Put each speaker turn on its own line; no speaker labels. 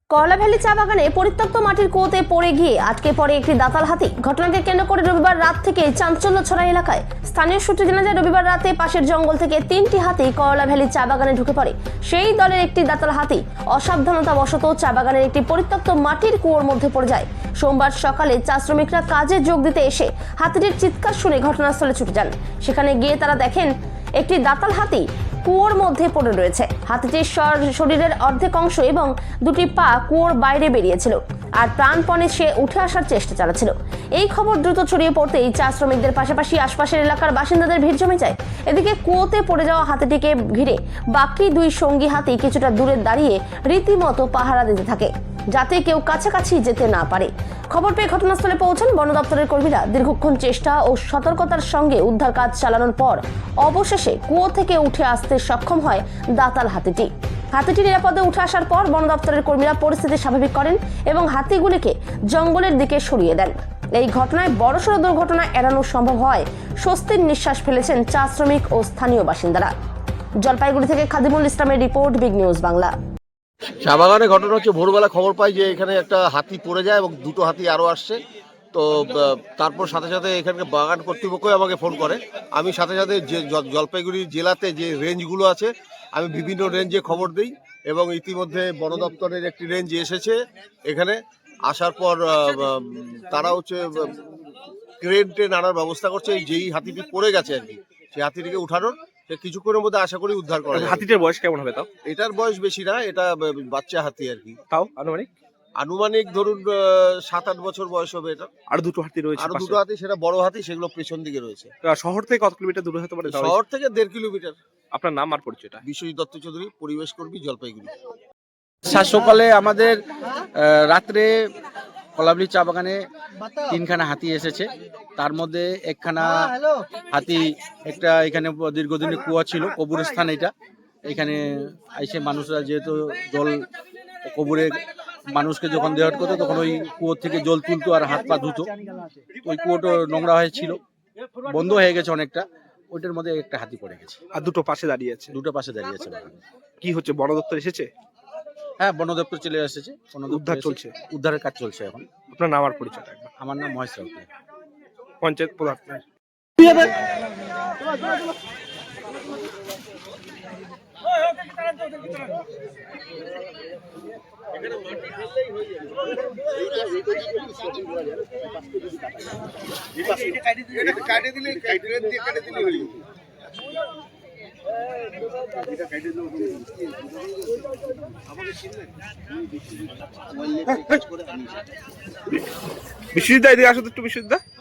করলাভ্যালি চা বাগানে পরিত্যক্ত মাটির কুয়োতে পড়ে গিয়ে আটকে পড়ে একটি দাতাল হাতি। ঘটনাকে কেন্দ্র করে রবিবার রাত থেকে চাঞ্চল্য ছড়ায় এলাকায়। স্থানীয় সূত্রে জানা যায়, রবিবার রাতে পাশের জঙ্গল থেকে 3টি হাতি করলাভ্যালি চা বাগানে ঢুকে পড়ে। সেই দলের একটি দাতাল হাতি অসাবধানতাবশত চা বাগানের একটি পরিত্যক্ত মাটির কুয়োর মধ্যে পড়ে যায়। সোমবার সকালে চা শ্রমিকরা কাজে যোগ দিতে এসে হাতিটির চিৎকার শুনে ঘটনাস্থলে ছুটে যান। সেখানে গিয়ে তারা দেখেন একটি দাতাল হাতি কুয়োর মধ্যে পড়ে রয়েছে। হাতিটির শরীরের অর্ধেক অংশ এবং দুটি পা কুয়োর বাইরে বেরিয়েছিল, আর প্রাণপণে সে উঠে আসার চেষ্টা চালাচ্ছিল। এই খবর দ্রুত ছড়িয়ে পড়তেই চা শ্রমিকদের পাশাপাশি আশপাশের এলাকার বাসিন্দাদের ভিড় জমে যায়। এদিকে কুয়োতে পড়ে যাওয়া হাতিটিকে ঘিরে বাকি দুই সঙ্গী হাতি কিছুটা দূরে দাঁড়িয়ে রীতিমতো পাহারা দিতে থাকে, যাতে কেউ কাছাকাছি যেতে না পারে। খবর পেয়ে ঘটনাস্থলে পৌঁছান বন দপ্তরের কর্মীরা। দীর্ঘক্ষণ চেষ্টা ও সতর্কতার সঙ্গে উদ্ধার কাজ চালানোর পর অবশেষে কুয়ো থেকে উঠে আসতে সক্ষম হয় দাতাল হাতিটি। হাতিটি নিরাপদে উঠে আসার পর বন দপ্তরের কর্মীরা পরিস্থিতি স্বাভাবিক করেন এবং হাতিগুলিকে জঙ্গলের দিকে সরিয়ে দেন। এই ঘটনায় বড়সড় দুর্ঘটনা এড়ানো সম্ভব হয় স্বস্তির নিঃশ্বাস ফেলেছেন চা শ্রমিক ও স্থানীয় বাসিন্দারা। জলপাইগুড়ি থেকে খাদিমুল ইসলামের রিপোর্ট, বিগ নিউজ বাংলা।
চা বাগানে ঘটনা হচ্ছে, ভোরবেলা খবর পাই যে এখানে একটা হাতি পড়ে যায় এবং দুটো হাতি আরও আসছে। তো তারপর সাথে সাথে এখানকার বাগান কর্তৃপক্ষই আমাকে ফোন করে। আমি সাথে সাথে যে জলপাইগুড়ি জেলাতে যে রেঞ্জগুলো আছে, আমি বিভিন্ন রেঞ্জে খবর দিই এবং ইতিমধ্যে বন দপ্তরের একটি রেঞ্জ এসেছে এখানে। আসার পর তারা হচ্ছে ক্রেন ট্রেন আনার ব্যবস্থা করছে। যেই হাতিটি পড়ে গেছে আর কি, সেই হাতিটিকে উঠানোর কিছুক্ষণের মধ্যে আশা করি উদ্ধার করা যাবে।
হাতিটার বয়স কেমন হবে তাও?
এটার বয়স বেশি না, এটা বাচ্চা হাতি আর কি।
তাও
আনুমানিক ধরুন 7-8 বছর বয়স হবে। এটা
আর দুটো হাতি রয়েছে,
আরো দুটো হাতি, সেটা বড় হাতি, সেগুলো পেছন দিকে রয়েছে।
শহর থেকে কত কিলোমিটার দূরে হতে পারে?
শহর থেকে 1.5 কিলোমিটার।
আপনার নাম আর পরিচয়টা?
বিশ্বজিৎ দত্ত চৌধুরী, পরিবেশ কর্মী, জলপাইগুড়ি।
সকালে আমাদের রাত্রে করলাভ্যালি চা বাগানে 3খানা হাতি এসেছে। তার মধ্যে একখানা হাতি একটা এখানে দীর্ঘদিনের কুয়া ছিল, কবরস্থান এটা। এখানে এসে মানুষরা যেহেতু জল কবরে মানুষকে যখন দেওয়া করতো, তখন ওই কুয়োর থেকে জল তুলতো আর হাত পা ধুতো। ওই কুয়োটা নোংরা হয়েছিল, বন্ধ হয়ে গেছে অনেকটা। ওইটার মধ্যে একটা হাতি পড়ে গেছে।
আর দুটো পাশে দাঁড়িয়ে আছে?
দুটো পাশে দাঁড়িয়ে আছে।
কি হচ্ছে, বন দপ্তর এসেছে?
হ্যাঁ, বন দপ্তর চলে এসেছে।
উদ্ধার চলছে?
উদ্ধারের কাজ চলছে এখন।
আপনার নাম আর পরিচয়টা?
আমার নাম মহেশ রাউত,
পঞ্চায়েত প্রধান। বিশ্বজিৎ দা, এদিকে আসো তো একটু। বিশ্বজিৎ দা,